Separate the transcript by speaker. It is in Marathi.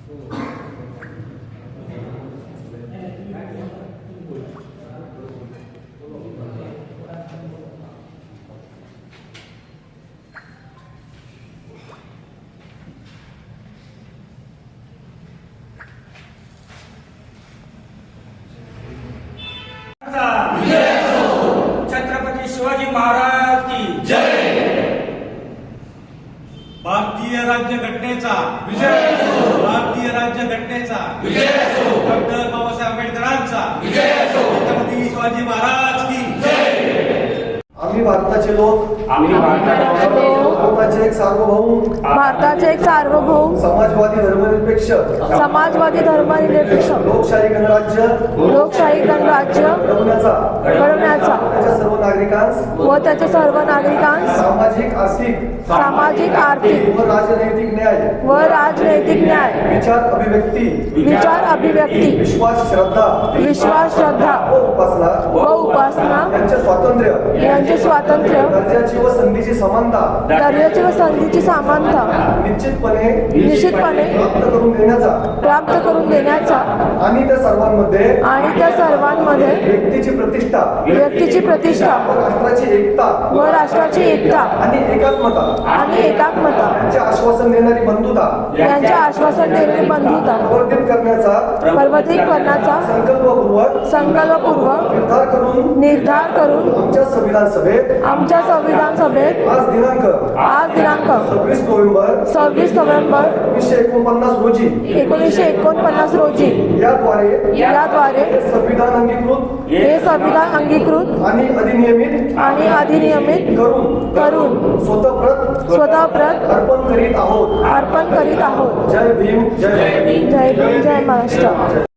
Speaker 1: छत्रपती शिवाजी महाराज की जय। भारतीय राज्यघटनेचा विजय असो। भारतीय राज्यघटनेचा विजय असो। डॉक्टर बाबासाहेब आंबेडकरांचा विजय असो। छत्रपती शिवाजी महाराज की जय।
Speaker 2: आम्ही भारताचे लोक भारताचे एक सार्वभौम समाजवादी धर्मनिरपेक्ष लोकशाही गणराज्य घडवण्याचा त्याच्या सर्व नागरिकांस सामाजिक आर्थिक व राजनैतिक न्याय विचार अभिव्यक्ती विश्वास श्रद्धा व उपासना यांचे स्वातंत्र्य दर्जाची व संधीची समानता निश्चितपणे प्राप्त करून देण्याचा आणि त्या सर्वांमध्ये व्यक्तीची प्रतिष्ठा व राष्ट्राची एकता आणि एकात्मता यांचे आश्वासन देणारी बंधुता प्रवर्धित करण्याचा संकल्पपूर्वक निर्धार करून आमच्या संविधान सभेत आज दिनांक 26 नोव्हेंबर 1949 रोजी याद्वारे हे संविधान अंगीकृत आणि अधिनियमित करून स्वतःप्रत अर्पण करीत आहोत। जय भीम जय महाराष्ट्र।